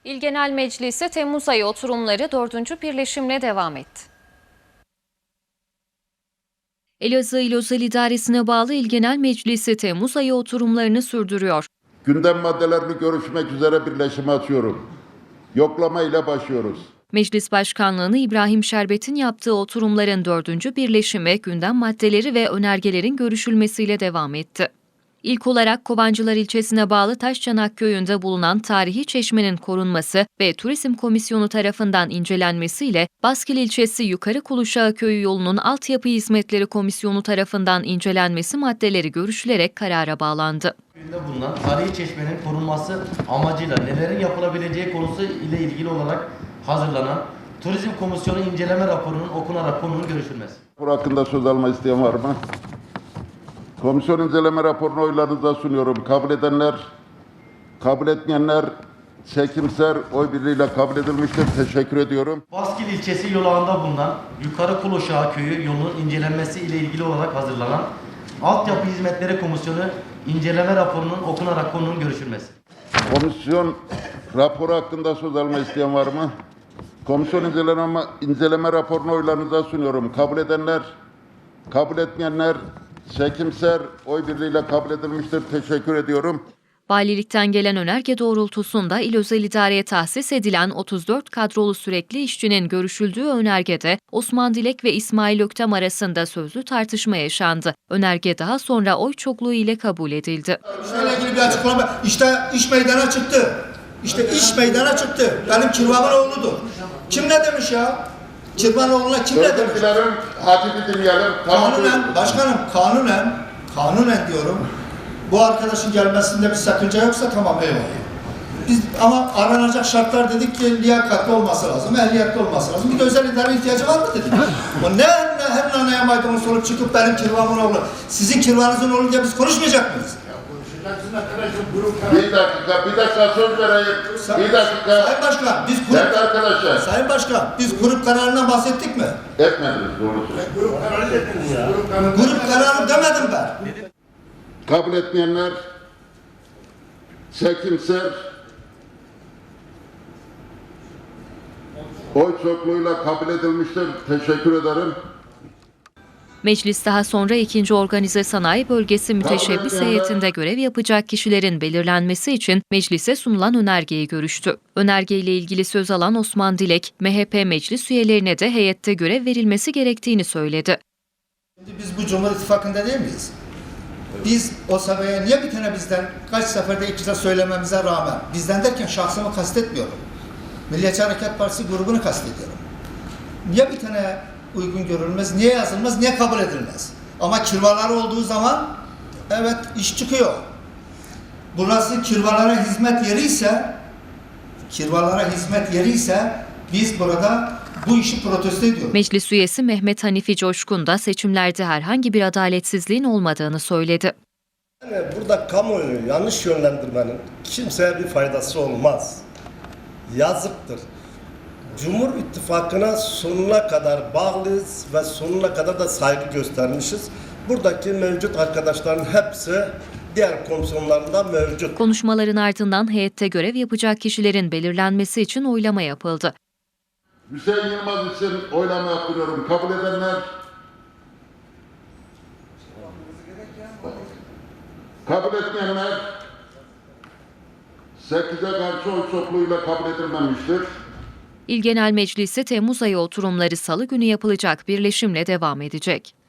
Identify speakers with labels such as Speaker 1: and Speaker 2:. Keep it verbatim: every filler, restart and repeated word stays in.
Speaker 1: İl Genel Meclisi Temmuz ayı oturumları dördüncü birleşimle devam etti. Elazığ İl Özel İdaresi'ne bağlı İl Genel Meclisi Temmuz ayı oturumlarını sürdürüyor.
Speaker 2: Gündem maddelerini görüşmek üzere birleşime açıyorum. Yoklama ile başlıyoruz.
Speaker 1: Meclis Başkanlığı'nı İbrahim Şerbet'in yaptığı oturumların dördüncü birleşimi gündem maddeleri ve önergelerin görüşülmesiyle devam etti. İlk olarak Kovancılar ilçesine bağlı Taşçanak köyünde bulunan tarihi çeşmenin korunması ve Turizm Komisyonu tarafından incelenmesiyle Baskil ilçesi Yukarı Kuluşağı Köyü yolunun altyapı hizmetleri komisyonu tarafından incelenmesi maddeleri görüşülerek karara bağlandı.
Speaker 3: Köyünde bulunan tarihi çeşmenin korunması amacıyla nelerin yapılabileceği konusu ile ilgili olarak hazırlanan Turizm Komisyonu inceleme raporunun okunarak konunun görüşülmesi.
Speaker 2: Bu hakkında söz alma isteyen var mı? Komisyon inceleme raporunu oylarınıza sunuyorum. Kabul edenler, kabul etmeyenler çekimser oy birliğiyle kabul edilmiştir. Teşekkür ediyorum.
Speaker 3: Baskil ilçesi yolağında bulunan Yukarı Kuluşağı Köyü yolunun incelenmesi ile ilgili olarak hazırlanan Altyapı Hizmetleri Komisyonu inceleme raporunun okunarak konunun görüşülmesi.
Speaker 2: Komisyon raporu hakkında söz alma isteyen var mı? Komisyon inceleme, inceleme raporunu oylarınıza sunuyorum. Kabul edenler, kabul etmeyenler çekimser oy birliğiyle kabul edilmiştir. Teşekkür ediyorum.
Speaker 1: Valilikten gelen önerge doğrultusunda İl Özel İdare'ye tahsis edilen otuz dört kadrolu sürekli işçinin görüşüldüğü önergede Osman Dilek ve İsmail Öktem arasında sözlü tartışma yaşandı. Önerge daha sonra oy çokluğu ile kabul edildi.
Speaker 4: İşle ilgili bir açıklama. İşte iş meydana çıktı. İşte iş meydana çıktı. Benim Kirvan'ın oğludur. Kim ne demiş ya? Kirvanoğlu'na kim ne demiş?
Speaker 2: Özür dilerim, hatibi dinleyelim.
Speaker 4: Kanunen, başkanım kanunen, kanunen diyorum. Bu arkadaşın gelmesinde bir sakınca yoksa tamam eyvallah. Biz ama aranacak şartlar dedik ki liyakatli olması lazım, ehliyetli olması lazım. Bir de özel idare ihtiyacı var mı dedik. Ama ne, ne her naneye maydanoz sorup çıkıp benim Kirvan'ın oğlu, sizin Kirvan'ınızın oğlu diye biz konuşmayacak mıyız?
Speaker 2: Bir dakika, bir dakika söz vereyim. Bir dakika.
Speaker 4: Sayın Başkan, biz grup,
Speaker 2: Evet arkadaşlar.
Speaker 4: Sayın Başkan, biz grup kararından bahsettik mi?
Speaker 2: Etmediniz doğrusu.
Speaker 4: Grup kararı dediniz ya. Grup kararı demedim ben.
Speaker 2: Kabul etmeyenler çekimser oy çokluğuyla kabul edilmiştir. Teşekkür ederim.
Speaker 1: Meclis daha sonra ikinci Organize Sanayi Bölgesi müteşebbis heyetinde görev yapacak kişilerin belirlenmesi için meclise sunulan önergeyi görüştü. Önergeyle ilgili söz alan Osman Dilek, M H P meclis üyelerine de heyette görev verilmesi gerektiğini söyledi.
Speaker 4: Şimdi biz bu Cumhur İttifakı'nda değil miyiz? Biz o sabaya niye bir tane bizden kaç seferde iktidar söylememize rağmen, bizden derken şahsımı kastetmiyorum. Milliyetçi Hareket Partisi grubunu kastediyorum. Niye bir tane uygun görülmez, niye yazılmaz, niye kabul edilmez? Ama kirvalar olduğu zaman evet iş çıkıyor. Burası kirvalara hizmet yeri ise kirvalara hizmet yeri ise biz burada bu işi protesto ediyoruz.
Speaker 1: Meclis üyesi Mehmet Hanifi Coşkun da seçimlerde herhangi bir adaletsizliğin olmadığını söyledi.
Speaker 5: Yani burada kamuoyunu yanlış yönlendirmenin kimseye bir faydası olmaz. Yazıktır. Cumhur İttifakı'na sonuna kadar bağlıyız ve sonuna kadar da saygı göstermişiz. Buradaki mevcut arkadaşların hepsi diğer komisyonlarında mevcut.
Speaker 1: Konuşmaların ardından heyette görev yapacak kişilerin belirlenmesi için oylama yapıldı.
Speaker 2: Hüseyin Yılmaz için oylama yaptırıyorum. Kabul edenler, kabul etmeyenler sekize karşı oy çokluğuyla kabul edilmemiştir.
Speaker 1: İl Genel Meclisi Temmuz ayı oturumları Salı günü yapılacak birleşimle devam edecek.